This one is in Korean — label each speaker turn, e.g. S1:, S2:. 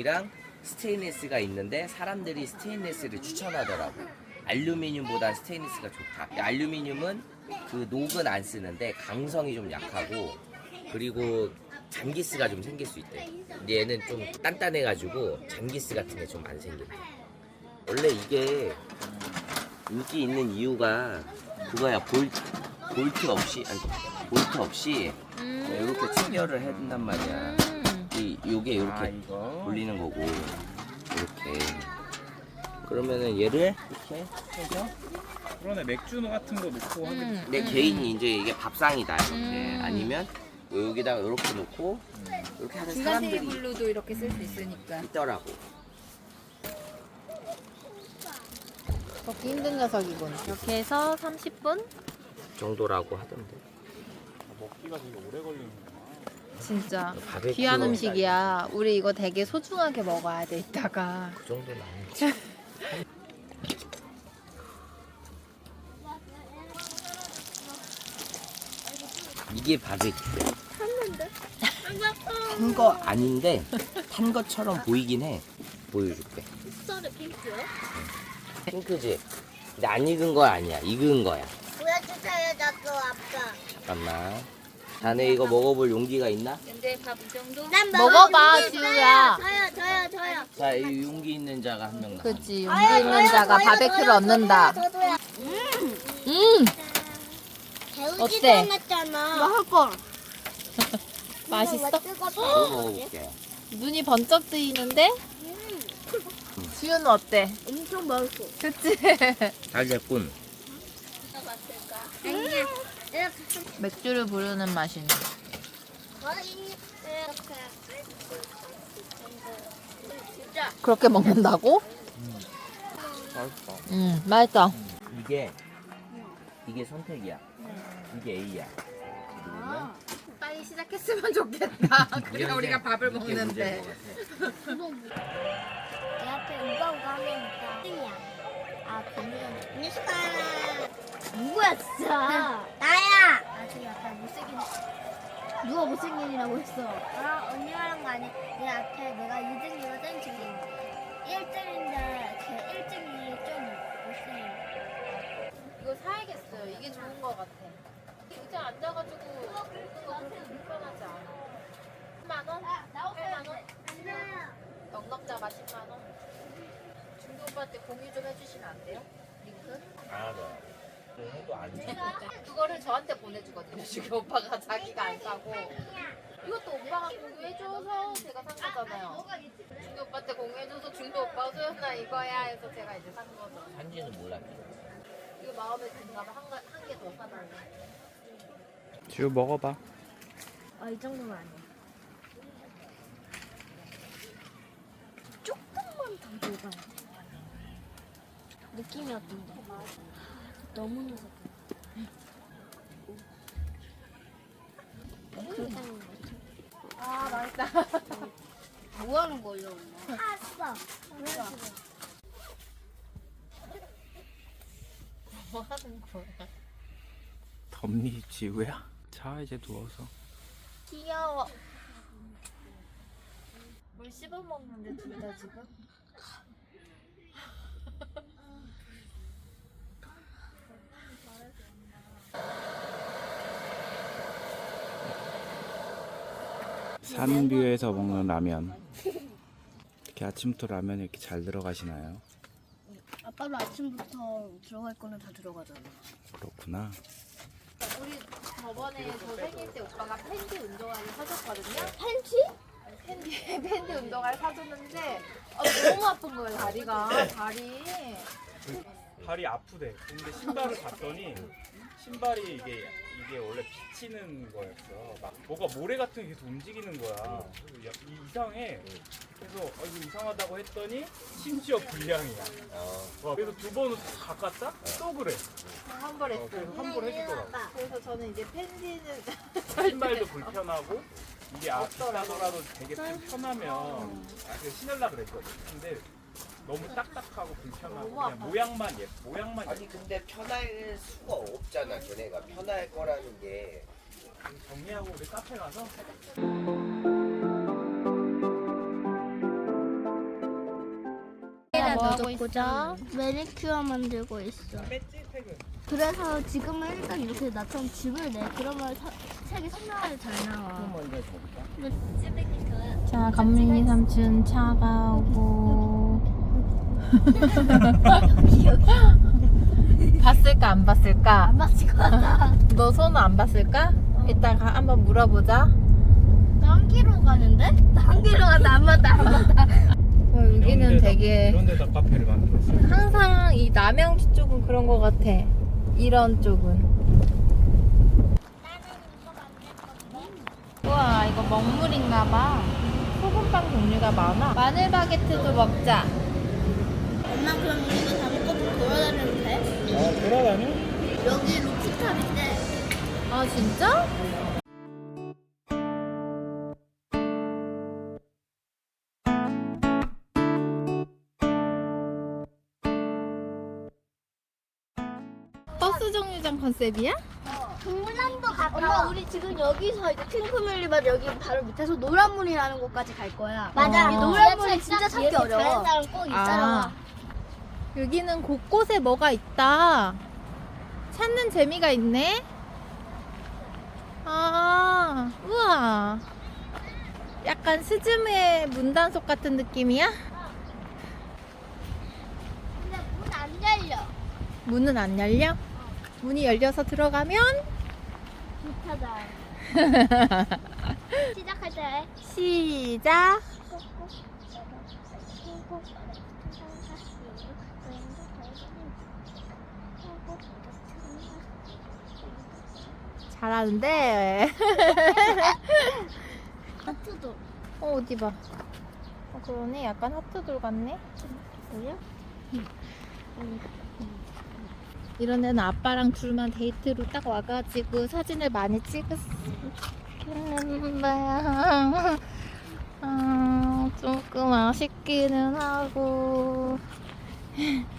S1: 알루미늄이랑 스테인리스가 있는데 사람들이 스테인리스를 추천하더라고. 알루미늄보다 스테인리스가 좋다. 알루미늄은 그 녹은 안 쓰는데 강성이 좀 약하고 그리고 잔기스가 좀 생길 수 있대. 근데 얘는 좀 단단해가지고 잔기스 같은 게 좀 안 생긴대. 원래 이게 인기 있는 이유가 그거야. 볼트 없이 이렇게 체결을 해둔단 말이야. 요게 이렇게
S2: 이거
S1: 돌리는 거고 이렇게 그러면은 얘를 이렇게 해서
S2: 그러네. 맥주 같은 거 넣고 하면
S1: 내 개인이 이제 이게 밥상이다 이렇게 아니면 여기다가 이렇게 놓고 이렇게 하는
S3: 중간
S1: 사람들이
S3: 테이블로도 이렇게 쓸 수 있으니까.
S1: 있더라고.
S3: 먹기 힘든 녀석이군. 이렇게 해서 30분?
S1: 정도라고 하던데.
S2: 먹기가 되게 오래 걸리는구나.
S3: 진짜
S1: 바베큐
S3: 귀한 음식이야. 우리 이거 되게 소중하게 먹어야 돼 이따가.
S1: 그 정도는 아니지. 이게 바베큐야. 탄 거 아닌데 탄 것처럼 보이긴 해. 보여줄게.
S4: 흰쌀에 핑크요?
S1: 핑크지. 근데 안 익은 거 아니야. 익은 거야.
S4: 보여주세요, 나도 아빠.
S1: 잠깐만. 자네 이거 먹어볼 용기가 있나?
S3: 근데 밥 이 정도?
S4: 난
S3: 먹어봐,
S4: 먹을 수
S3: 지우야.
S4: 있어요. 저요.
S1: 자, 이 용기 있는 자가 한 명 나.
S3: 그치, 용기 있는 자가 바베큐를 얻는다.
S4: 저도요.
S3: 어때?
S4: 어때? 않았잖아.
S3: 할 맛있어?
S1: 이거 먹어볼게요.
S3: 눈이 번쩍 뜨이는데? 지우는 어때?
S4: 엄청 맛있어.
S3: 그치?
S1: 잘 됐군.
S4: 아니야. 이렇게
S3: 맥주를 부르는 맛이네.
S4: 진짜
S3: 그렇게 먹는다고?
S1: 맛있어.
S3: 맛있어.
S1: 이게 선택이야. 이게 A야. 그러면
S3: 빨리 시작했으면 좋겠다.
S1: 그래야 우리가 밥을 먹는데.
S4: 내 앞에 우가우가 하면 있다. 아, 그러면 미스카. 누구야 진짜? 나야. 아주 약간 못생긴. 누가 못생긴이라고 했어? 아, 언니 말한 거 아니야? 내 앞에 내가 2등이거든 지금. 1등인데 그 1등이 좀 못생긴.
S3: 이거 사야겠어요. 이게 좋은 것 같아. 의자 앉아가지고 먹는 거 그렇게 불편하지 않아. 10만 원? 8만 원? 넉넉자가 10만 원? 중도 오빠한테 공유 좀 해주시면 안 돼요? 링크?
S1: 아, 네. 해도 안 돼.
S3: 그거를 저한테 보내주거든요. 중도 오빠가 자기가 안 사고. 이것도 오빠가 공유해줘서 제가 산 거잖아요. 중도 오빠한테 공유해줘서 중도 오빠가 소연아 이거야 해서 제가 이제 산 거죠.
S1: 산지는 몰랐지.
S3: 이거 마음에 든가 봐. 한 개 더 사달래.
S2: 지우 먹어봐.
S4: 아, 이 정도는 아니야. 조금만 더 녹아야 돼. 느낌이 어떤데? 너무 녹아.
S3: 아 맛있다.
S4: 뭐 하는 거예요, 엄마? 알았어.
S3: 뭐 하는 거야?
S2: 덥니 지우야? 자 이제 누워서.
S3: 귀여워. 물 씹어 먹는데 둘 다 지금?
S2: 산뷰에서 먹는 라면. 이렇게 아침부터 라면이 이렇게 잘 들어가시나요?
S4: 아빠도 아침부터 들어갈 거는 다 들어가잖아.
S2: 그렇구나.
S3: 우리 저번에 저 생일 때 오빠가 팬티 운동화를 사줬거든요.
S4: 팬티?
S3: 팬티 운동화를 사줬는데 너무 아픈 거예요 다리가.
S2: 발이 아프대. 근데 신발을 봤더니 신발이 이게 원래 비치는 거였어. 막 뭐가 모래 같은 게 계속 움직이는 거야. 그래서 이상해. 그래서 이거 이상하다고 했더니 심지어 불량이야. 그래서 두 번은 바꿨다? 또 그래.
S3: 환불했어요.
S2: 그래서 환불 해주더라고.
S3: 그래서 저는 이제 팬티는
S2: 신발도 불편하고 이게 비싸더라도 되게 편하면 신으려고 그랬거든. 근데 너무 딱딱하고 불편하고
S3: 너무
S2: 그냥
S3: 아파.
S2: 모양만
S1: 아니 근데 편할 수가 없잖아. 걔네가 편할 거라는 게.
S2: 정리하고 우리 카페 가서
S3: 뭐 하고
S4: 넣어줬고자 매니큐어 만들고 있어.
S2: 뺐지 태그.
S4: 그래서 지금은 일단 이렇게 나처럼 집을 내. 그러면 색이 선명하게 잘 나와.
S1: 먼저 줘볼까?
S3: 자, 감민이 삼촌 차가 오고. 봤을까 안 봤을까?
S4: 안 맞을 것 같아.
S3: 너 손은 안 봤을까? 이따가 한번 물어보자.
S4: 나 한 킬로 가는데? 나 한 킬로 가는데 안 맞다 안 맞다.
S3: 여기는 되게
S2: 이런 데다 카페를 만들었어요.
S3: 항상 이 남양주 쪽은 그런 거 같아. 이런 쪽은. 우와, 이거 먹물인가봐. 소금빵 종류가 많아. 마늘 바게트도 먹자.
S4: 엄마 그럼 이거 다 먹고 돌아다녀도 돼?
S2: 돌아다녀?
S4: 여기 루프탑인데
S3: 아, 진짜? 버스 정류장 컨셉이야?
S4: 동물남도 가까. 엄마 우리 지금 여기서 이제 핑크뮬리만 여기 바로 밑에서 노란문이라는 곳까지 갈 거야.
S3: 맞아.
S4: 이 노란문이 진짜 찾기 어려워.
S3: 아, 여기는 곳곳에 뭐가 있다. 찾는 재미가 있네. 아, 우와. 약간 스즈메 문단속 같은 느낌이야?
S4: 근데 문 안 열려.
S3: 문은 안 열려? 문이 열려서 들어가면
S4: 못하다. 시작할 때.
S3: 시작. 잘하는데.
S4: 하트도.
S3: 어디 봐. 그러네. 약간 하트돌 같네.
S4: 뭐야?
S3: 이런 데는 아빠랑 둘만 데이트로 딱 와가지고 사진을 많이 찍었는데 조금 아쉽기는 하고